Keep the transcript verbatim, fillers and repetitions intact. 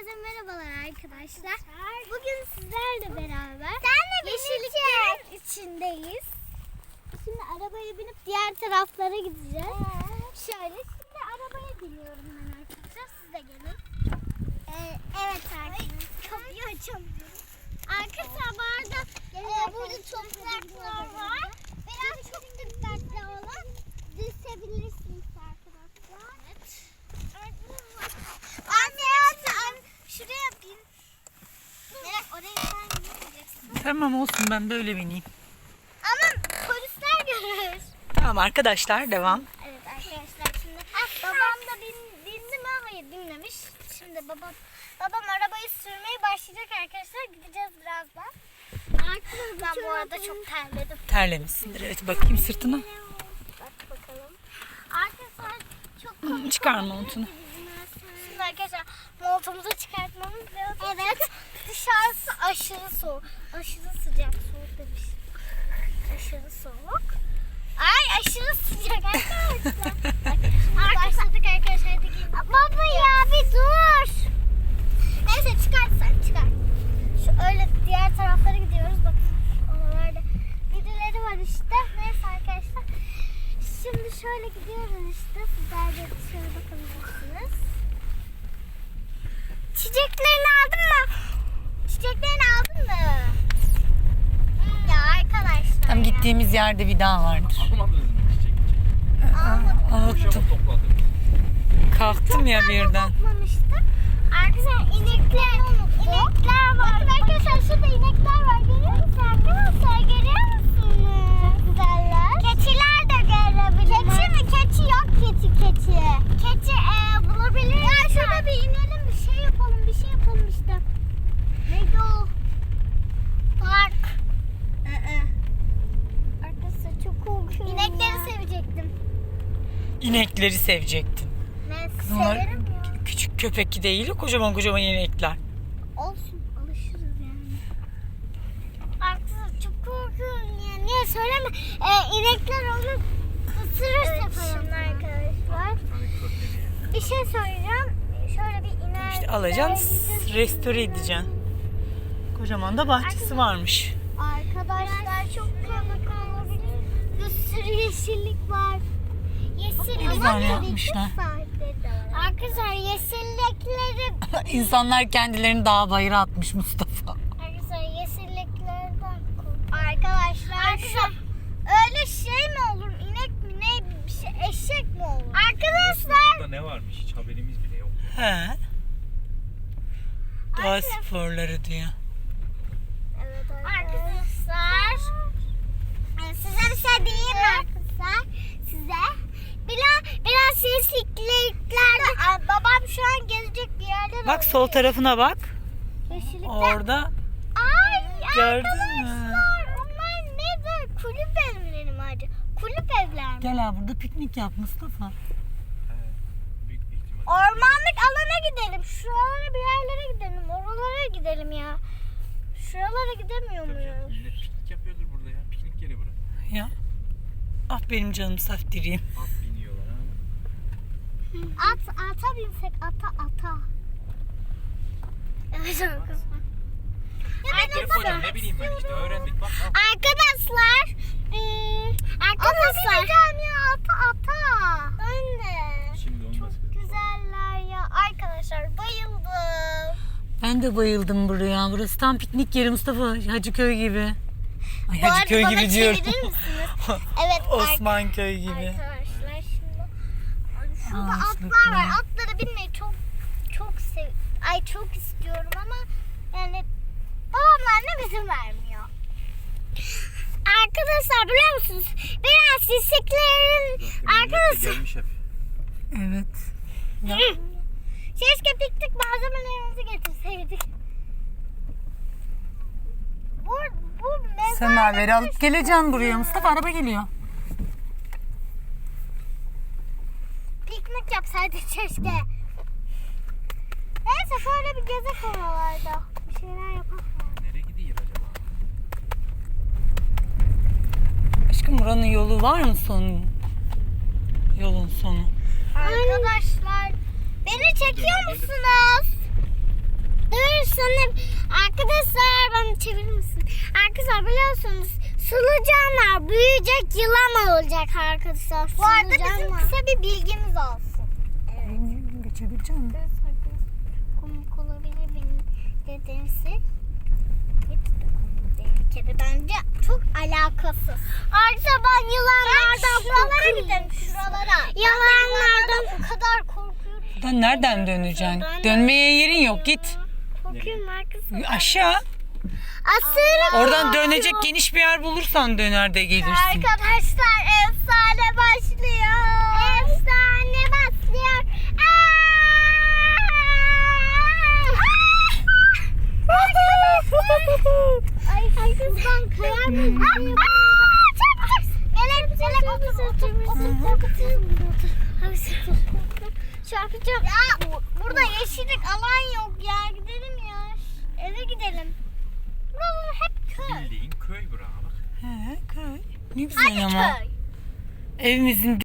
Herkese merhabalar arkadaşlar. Bugün sizlerle beraber Senle yeşilliklerin içindeyiz. Şimdi arabaya binip diğer taraflara gideceğiz. Ee? Şöyle şimdi arabaya biniyorum ben arkadaşlar. Siz de gelin. Ee, evet arkadaşlar. Kapıyı açamıyorum. Arkadaşlar bu arada Ee, burada topraklar var. Biraz çok dikkatli olun. Düşebilirsiniz arkadaşlar. Evet. Anne anne Şuraya bin. Evet, oraya sen gitmeyeceksin. Tamam olsun, ben böyle bineyim. Ama polisler görür. Tamam arkadaşlar, devam. Evet arkadaşlar şimdi babam da bin, bindi mi? Hayır binmemiş. Şimdi babam babam arabayı sürmeye başlayacak arkadaşlar. Gideceğiz birazdan. Arkadaşlar ben bu arada çok terledim. Terlemişsindir. Evet, bakayım sırtına. Bak bakalım. Arkadaşlar çok komik. Çıkar montunu. Şimdi arkadaşlar montumuzu çıkartmamız lazım. Evet. Dışarısı aşırı soğuk. Aşırı sıcak. Soğuk demiş. Aşırı soğuk. Ay aşırı sıcak arkadaşlar. Bak, başladık arkadaşlar. Hadi gelin. Baba ya bir dur. Neyse çıkart sen çıkar. Şu öyle diğer taraflara gidiyoruz. Bakın oralarda birileri var işte. Neyse arkadaşlar. Şimdi şöyle gidiyoruz işte. Sizler de şöyle bakabilirsiniz. Çiçeklerini aldın mı? Çiçeklerini aldın mı? Ya arkadaşlar. Tam ya. gittiğimiz yerde bir daha vardır. Almadınız mı çiçek? Almadım. Unuttum. Çabuk topladım. Kalktım ya birden. Bakmamıştım. Arkadaşlar inekler, inekler var. Bakın arkadaşlar şurada inekler var. Görüyor musunuz arkadaşlar? Görüyor musunuz? Çok güzeller. Keçiler de görebilirim. Keçi mi? Keçi yok keçi keçi. Keçi e, bulabiliriz. Ya şurada bir inelim bir şey yapalım bir şey yapalım işte. Neydi o? Park. Arkadaşlar çok korkuyorum. İnekleri sevecektim. İnekleri sevecektin. Ne Bunlar severim ya. küçük köpek değil, kocaman kocaman inekler. Olsun alışırız yani. Arkadaşlar çok korkuyorum ya. Niye söyleme? Ee, inekler onu ısırırsa Evet, falan şimdi arkadaşlar. Bir şey söyleyeceğim. Şöyle bir iner. İşte alacaksın, restore edeceksin. Kocaman da bahçesi varmış. Arkadaşlar çok komik olabilir. Bir sürü yeşillik var. Yeşillik Güzel yapmışlar. Arkadaşlar yeşillikleri İnsanlar kendilerini dağ bayıra atmış Mustafa. arkadaşlar yeşilliklerden korkuyorum. Arkadaşlar arkadaşlar öyle şey mi olur? İnek mi ne bir şey eşek mi olur? Arkadaşlar Burada ne varmış hiç haberimiz bile yok. He. Doğa sporları diyor. evet arkadaşlar Size bir şey diyeyim mi arkadaşlar? Size. Biraz, biraz yeşilliklerde babam şu an gezecek bir yerler Bak sol tarafına bak. Yeşillikler. Orada Ay gördün mü? arkadaşlar onlar ne böyle kulüp evleri mi acaba? Kulüp evler mi? Gel ha, burada piknik yap Mustafa. He, büyük bir ihtimal. Ormanlık alana gidelim. Şuralara bir yerlere gidelim. Oralara gidelim ya. Şuralara gidemiyor Tabii canım, muyuz? millet piknik yapıyordur burada ya. Piknik yeri burası. Ya. Ah benim canım saftiriyim. At biniyorlar ha. At, ata binsek ata ata. Evet arkadaşlar. Ya ben Telefon ata ne bileyim ben işte öğrendik bak. Al. Arkadaşlar. Iı, arkadaşlar. Ata bineceğim ya ata ata. Ben de. Şimdi olmaz. Çok güzeller ya. Arkadaşlar bayıldım. Ben de bayıldım buraya. Burası tam piknik yeri Mustafa. Hacıköy gibi. Ay Bu arada Hacıköy bana gibi diyorum. çevirir misiniz? Evet. Osmanköy gibi. Arkadaşlar şimdi şurada Ağaçlıklar. atlar var. Atlara binmeyi çok çok sev ay çok istiyorum ama yani babamlar ne izin vermiyor. Arkadaşlar biliyor musunuz? Biraz yeşilliklerin arkadaşlar Gelmiş hep. Evet. Ya. keşke piknik malzemelerimizi getirseydik. Bu, bu mezar Semaveri alıp geleceğim buraya. Mustafa araba geliyor. piknik yapsaydık keşke. Neyse şöyle bir gezek oralarda. Bir şeyler yapalım. Nereye gidiyor acaba? Aşkım buranın yolu var mı sonu? Yolun sonu. Arkadaşlar beni çekiyor musunuz? sonra arkadaşlar bana çevirir misin? Arkadaşlar biliyorsunuz solucanlar büyüyecek, yılan olacak arkadaşlar. Bu arada bizim Solucanlar. kısa bir bilgimiz olsun. Geçebileceğim mi? Evet arkadaşlar, komik olabilir benim dedemsi. Hiç de komik değil bir kere, bence çok alakasız. Arkadaşlar ben yılanlardan şuralara korkuyorum. gidelim, şuralara. Yılanlardan o kadar korkuyorum. Buradan nereden döneceksin? Dönmeye yerin yok, git. Korkuyorum arkadaşlar. Aşağı. Aslında Oradan dönecek geniş bir yer bulursan döner de gelirsin. arkadaşlar efsane başlıyor. Efsane başlıyor. Ay şuradan kayar mıyım? Melek, melek otur, otur, otur, otur, otur. Hadi otur. Şey yapacağım. Ya burada yeşillik alan yok ya. Gidelim ya. Eve gidelim. Buralar hep köy. Bildiğin köy bura bak. He, köy. Ne güzel ama. Köy. Evimizin